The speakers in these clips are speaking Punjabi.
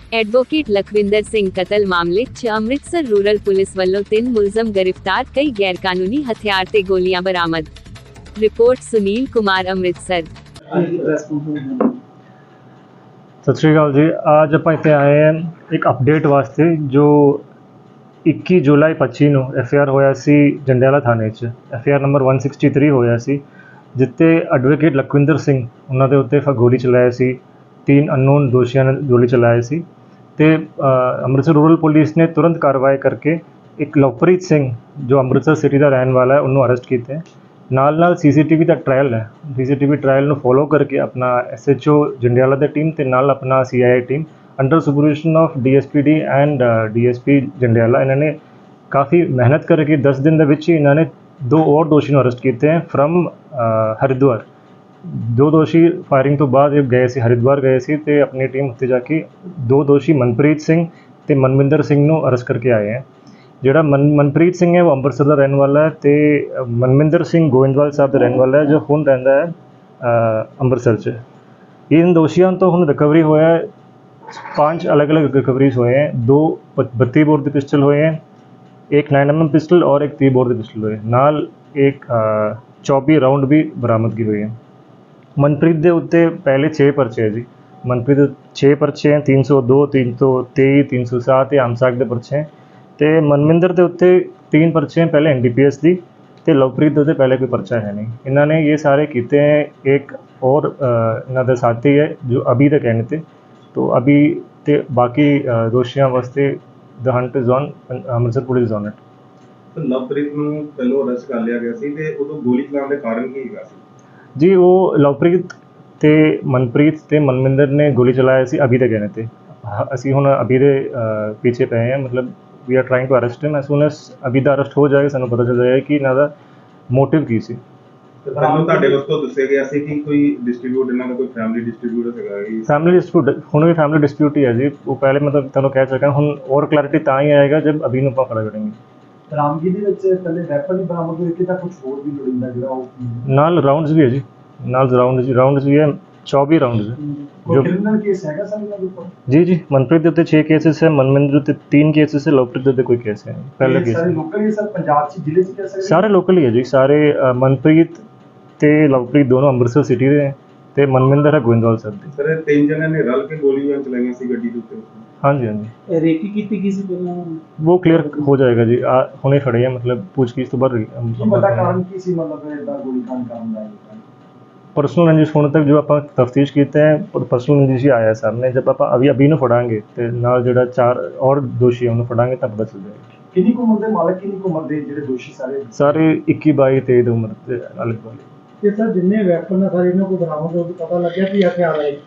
ਐਡਵੋਕੇਟ ਲਖਵਿੰਦਰ ਸਿੰਘ ਕਤਲ ਮਾਮਲੇ 'ਚ ਅੰਮ੍ਰਿਤਸਰ ਰੂਰਲ ਪੁਲਿਸ ਵੱਲੋਂ 3 ਮੁਲਜ਼ਮ ਗ੍ਰਿਫਤਾਰ, ਕਈ ਗੈਰਕਾਨੂੰਨੀ ਹਥਿਆਰ ਤੇ ਗੋਲੀਆਂ ਬਰਾਮਦ। ਰਿਪੋਰਟ ਸੁਨੀਲ ਕੁਮਾਰ, ਅੰਮ੍ਰਿਤਸਰ। सत श्रीकाल जी। आज आप इतने आए हैं एक अपडेट वास्ते जो 21 जुलाई 25 ਨੂੰ FIR ਹੋਇਆ ਸੀ ਜੰਡਿਆਲਾ ਥਾਣੇ 'ਚ। FIR ਨੰਬਰ 163 ਹੋਇਆ ਸੀ, ਜਿੱਤੇ ਐਡਵੋਕੇਟ ਲਖਵਿੰਦਰ ਸਿੰਘ ਉਹਨਾਂ ਦੇ ਉੱਤੇ ਗੋਲੀ ਚਲਾਇਆ ਸੀ। 3 ਅਨਨੋਨ ਦੋਸ਼ੀਆਂ ਨੇ ਗੋਲੀ ਚਲਾਇਆ ਸੀ ਤੇ ਅੰਮ੍ਰਿਤਸਰ ਰੂਰਲ ਪੁਲਿਸ ਨੇ ਤੁਰੰਤ ਕਾਰਵਾਈ ਕਰਕੇ ਇੱਕ ਲਵਪ੍ਰੀਤ ਸਿੰਘ ਜੋ ਅੰਮ੍ਰਿਤਸਰ ਸਿਟੀ ਦਾ ਰਹਿਣ ਵਾਲਾ ਹੈ ਉਹਨੂੰ ਅਰੈਸਟ ਕੀਤਾ ਹੈ। ਨਾਲ CCTV ਦਾ ਟ੍ਰਾਇਲ ਹੈ। CCTV ਟ੍ਰਾਇਲ ਨੂੰ ਫੋਲੋ ਕਰਕੇ ਆਪਣਾ SHO ਜੰਡਿਆਲਾ ਦੀ ਟੀਮ ਤੇ ਨਾਲ ਆਪਣਾ CIA team under supervision of DSPD and DSP Jandiala ਇਹਨਾਂ ਨੇ ਕਾਫੀ ਮਿਹਨਤ ਕਰਕੇ 10 ਦਿਨ ਦੇ ਵਿੱਚ ਹੀ ਇਹਨਾਂ ਨੇ 2 ਹੋਰ ਦੋਸ਼ੀ ਨੂੰ ਅਰੈਸਟ ਕੀਤੇ ਹੈ ਫਰਮ ਹਰਿਦੁਆਰ। 2 ਦੋਸ਼ੀ ਫਾਇਰਿੰਗ ਤੋਂ ਬਾਅਦ ਗਏ ਸੀ, ਹਰਿਦੁਆਰ ਗਏ ਸੀ ਤੇ ਆਪਣੀ ਟੀਮ ਉੱਤੇ ਜਾ ਕੇ 2 ਦੋਸ਼ੀ ਮਨਪ੍ਰੀਤ ਸਿੰਘ ਤੇ ਮਨਵਿੰਦਰ ਸਿੰਘ ਨੂੰ ਅਰੈਸਟ ਕਰਕੇ ਆਏ ਹੈ। ਜਿਹੜਾ ਮਨਪ੍ਰੀਤ ਸਿੰਘ ਹੈ ਉਹ ਅੰਮ੍ਰਿਤਸਰ ਦਾ ਰਹਿਣ ਵਾਲਾ ਹੈ ਤੇ ਮਨਵਿੰਦਰ ਸਿੰਘ ਗੋਇੰਦਵਾਲ ਸਾਹਿਬ ਦਾ ਰਹਿਣ ਵਾਲਾ ਹੈ ਜੋ ਹੁਣ ਰਹਿੰਦਾ ਹੈ ਅੰਮ੍ਰਿਤਸਰ 'ਚ। इन दोषियों तो हम रिकवरी होया 5 अलग अलग रिकवरीज हुए हैं। 2 32 बोर के पिस्टल हुए हैं, एक 9mm पिस्टल और एक 30 बोर के पिस्टल हुए नाल एक 24 राउंड भी बरामदगी हुई है। मनप्रीत के उत्ते पहले 6 परचे है जी। मनप्रीत 6 परचे हैं, 302 323 307 आमसाक के परचे हैं तो मनविंदर के उत्ते 3 परचे हैं पहले NDPS की तो लवप्रीत के पहले कोई परचा है नहीं। इन्होंने ये सारे किए हैं। एक और इन्होंने साथी है जो अभी तक कहने थे तो अभी ते बाकी दोषियों वास्ते the hunt is on, Amritsar police on it. तो लवप्रीत ਨੂੰ ਪਹਿਲੋਂ ਅਰੈਸਟ ਕਰ ਲਿਆ ਗਿਆ ਸੀ ਤੇ ਉਦੋਂ ਗੋਲੀ ਚਲਾਉਣ ਦੇ ਕਾਰਨ ਕੀ ਹੈਗਾ ਸੀ जी? वो लवप्रीत ते मनप्रीत ते मनविंदर ने गोली चलाया सी अभी तक कहने थे। ਅਸੀਂ ਹੁਣ अभी ਦੇ पीछे पे हैं, मतलब we are trying to arrest him. As soon as अभी ਦਾ अरेस्ट हो जाएगा ਸਾਨੂੰ ਪਤਾ ਚੱਲ ਜਾਏਗਾ ਕਿ ਇਹਨਾਂ ਦਾ ਮੋਟਿਵ ਕੀ ਸੀ। ਪਹਿਲਾਂ ਤੁਹਾਡੇ ਵੱਲੋਂ ਦੱਸਿਆ ਗਿਆ ਸੀ ਕਿ ਕੋਈ ਡਿਸਟ੍ਰੀਬਿਊਟ ਇਹਨਾਂ ਦਾ ਕੋਈ ਫੈਮਿਲੀ ਡਿਸਟ੍ਰੀਬਿਊਟ ਹੈਗਾ ਕਿ फैमिली डिस्प्यूट ਹੁਣ ਵੀ फैमिली डिस्प्यूट ही है जी। वो पहले मतलब ਤੁਹਾਨੂੰ ਕਹਿ ਚੁੱਕਾ ਹੁਣ और क्लैरिटी ਤਾਂ ਹੀ ਆਏਗਾ जब अभी ਨੂੰ ਆਪਾਂ ਖੜਾ ਕਰਾਂਗੇ। ਬਰਾਮਦਗੀ ਦੇ ਵਿੱਚ ਪਹਿਲੇ ਵੈਪਨ ਹੀ ਬਰਾਮਦ ਹੋਏ ਕਿ ਤਾਂ ਕੁਝ ਹੋਰ ਵੀ ਲੋੜੀਂਦਾ ਜਿਹੜਾ ਉਹ ਨਾਲ ਰਾਉਂਡਸ ਵੀ ਹੈ ਜੀ, ਨਾਲ ਰਾਉਂਡਸ ਵੀ ਹੈ 24 ਰਾਉਂਡਸ ਜੋ ਕ੍ਰਿਮੀਨਲ ਕੇਸ ਹੈਗਾ ਸਰ ਇਹਨਾਂ ਦੇ ਉੱਪਰ। जी मनप्रीत ਦੇ ਉੱਤੇ 6 ਕੇਸਿਸ ਹੈ, ਮਨਵਿੰਦਰ ਦੇ ਉੱਤੇ 3 ਕੇਸਿਸ ਹੈ, ਲਵਪ੍ਰੀਤ ਦੇ ਉੱਤੇ ਕੋਈ ਕੇਸ ਹੈ ਪਹਿਲਾ ਕੇਸ ਸਾਰੇ ਲੋਕਲ ਹੀ ਸਰ ਪੰਜਾਬ ਚ ਜ਼ਿਲ੍ਹੇ ਚ ਕਹਿ ਸਕਦੇ ਸਾਰੇ ਲੋਕਲ ਹੀ ਹੈ ਜੀ। ਸਾਰੇ ਮਨਪ੍ਰੀਤ ਤੇ ਲਵਪ੍ਰੀਤ ਦੋਨੋਂ ਅੰਮ੍ਰਿਤਸਰ ਸਿਟੀ ਦੇ ਹੈ ਤੇ ਮਨਵਿੰਦਰ ਹੈ ਗੋਇੰਦਵਾਲ ਸਾਹਿਬ ਦੇ। ਸਰ 3 ਜਣਿਆਂ ਨੇ ਰਲ ਕੇ ਗੋਲੀਆਂ ਚਲਾਈਆਂ ਸੀ ਗੱਡੀ ਦੇ ਉੱਤੇ। ਹਾਂਜੀ ਹਾਂਜੀ ਰੇਕੀ ਕੀਤੀ ਗਈ ਸੀ ਪਹਿਲਾਂ वो क्लियर हो जाएगा जी। ਹੁਣੇ ਖੜੇ ਆ, मतलब पूछगिछ ਤੋਂ ਬਾਅਦ ਕੀ ਪਤਾ ਕਾਰਨ ਕੀ ਸੀ, ਮਤਲਬ ਇਹਦਾ ਗੋਲੀ ਕਾਂਡ ਕਰਨ ਦਾ पर्सनल रंजिश होने तक जो आप तफ्तीश कीते हैं पर्सनल रंजिश ही आया सामने। जब आप अभी ਨੂੰ ਫੜਾਂਗੇ ਤੇ ਨਾਲ ਜਿਹੜਾ 4 और दोषी है ਉਹਨੂੰ ਫੜਾਂਗੇ ਤਾਂ ਪਤਾ ਚੱਲ ਜਾਏਗਾ। ਕਿੰਨੀ ਕੁ ਉਮਰ ਦੇ ਮਾਲਕ, ਕਿੰਨੀ ਕੁ ਉਮਰ ਦੇ ਜਿਹੜੇ ਦੋਸ਼ੀ ਸਾਰੇ 21 22 23 ਦੀ ਉਮਰ ਦੇ ਅਲੱਗ ਵਾਲੇ। ਤੇ ਸਰ ਜਿੰਨੇ ਵੈਪਨ ਆ ਸਾਰੇ ਇਹਨਾਂ ਕੋਲ ਬਰਾਮਦ ਹੋ ਕੇ ਪਤਾ ਲੱਗਿਆ ਕਿ ਹਥਿਆਰ ਹੈ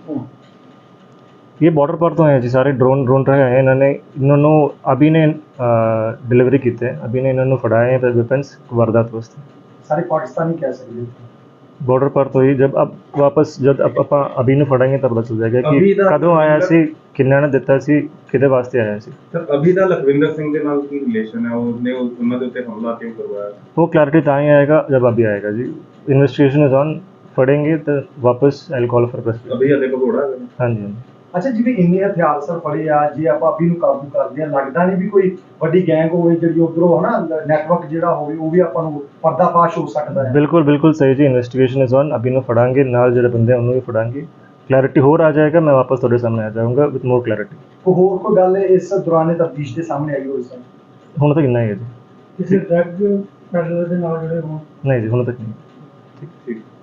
ये बॉर्डर पर तो हैं जी, सारे ड्रोन रहे हैं। इन्होंने अभी ने डिलीवरी की है, अभी ने इन्होंने फड़ाए हैं वेपन्स वारदात वास्ते। ਸਾਰੇ ਪਾਕਿस्तानी कह सकते बॉर्डर पर तो ही जब अब वापस जब आप अभी ਨੂੰ ਫੜਾਂਗੇ ਤਾਂ ਪਤਾ ਚੱਲ ਜਾਏਗਾ ਕਿ ਕਦੋਂ ਆਇਆ ਸੀ, ਕਿੰਨਾ ਨੇ ਦਿੱਤਾ ਸੀ, ਕਿਹਦੇ ਵਾਸਤੇ ਆਇਆ ਸੀ। ਸਰ ਅਭੀ ਦਾ ਲਖਵਿੰਦਰ ਸਿੰਘ ਦੇ ਨਾਲ ਕੀ ਰਿਲੇਸ਼ਨ ਹੈ? ਉਹਨੇ ਉਹਨਾਂ ਦੇ ਉੱਤੇ ਹਮਲਾ ਕਿਉਂ ਕਰਵਾਇਆ? वो क्लैरिटी ਤਾਂ ਹੀ ਆਏਗਾ जब अभी आएगा जी। इन्वेस्टिगेशन इज ऑन, फड़ेंगे तो वापस I will call for press. ਅਭੀ ਹਲੇ ਭਗੌੜਾ ਹੈ। हाँ जी। ਅੱਛਾ, ਜਿਵੇਂ ਇੰਨੇ ਹਥਿਆਰ ਸਰ ਫੜੇ ਆ, ਜੇ ਆਪਾਂ ਅਭੀ ਨੂੰ ਕਾਬੂ ਕਰਦੇ ਆ, ਲੱਗਦਾ ਨਹੀਂ ਵੀ ਕੋਈ ਵੱਡੀ ਗੈਂਗ ਹੋਵੇ ਜਿਹੜੀ ਉਧਰੋਂ ਹਨਾ ਨੈਟਵਰਕ ਜਿਹੜਾ ਹੋਵੇ ਉਹ ਵੀ ਆਪਾਂ ਨੂੰ ਪਰਦਾਫਾਸ਼ ਹੋ ਸਕਦਾ ਹੈ। बिल्कुल सही जी। इन्वेस्टिगेशन इज ऑन, अभी ਨੂੰ ਫੜਾਂਗੇ, ਨਾਲ ਜਿਹੜੇ ਬੰਦੇ ਉਹਨੂੰ ਵੀ ਫੜਾਂਗੇ। क्लैरिटी ਹੋਰ आ जाएगा, मैं वापस ਤੁਹਾਡੇ ਸਾਹਮਣੇ आ जाऊंगा विद मोर क्लैरिटी। ਕੋਈ ਹੋਰ ਕੋਈ ਗੱਲ ਇਸ ਦੌਰਾਨ ਤਫਤੀਸ਼ ਦੇ ਸਾਹਮਣੇ ਆਈ ਹੋਈ ਸਰ? ਹੁਣ ਤੱਕ ਇੰਨਾ ਹੀ ਹੈ ਜੀ। ਕਿਸੇ ਡਰੱਗ ਪੈਡਲਰ ਦੇ ਨਾਲ ਜਿਹੜੇ ਹੋਣ? ਨਹੀਂ ਜੀ, ਹੁਣ ਤੱਕ ਨਹੀਂ। ਠੀਕ।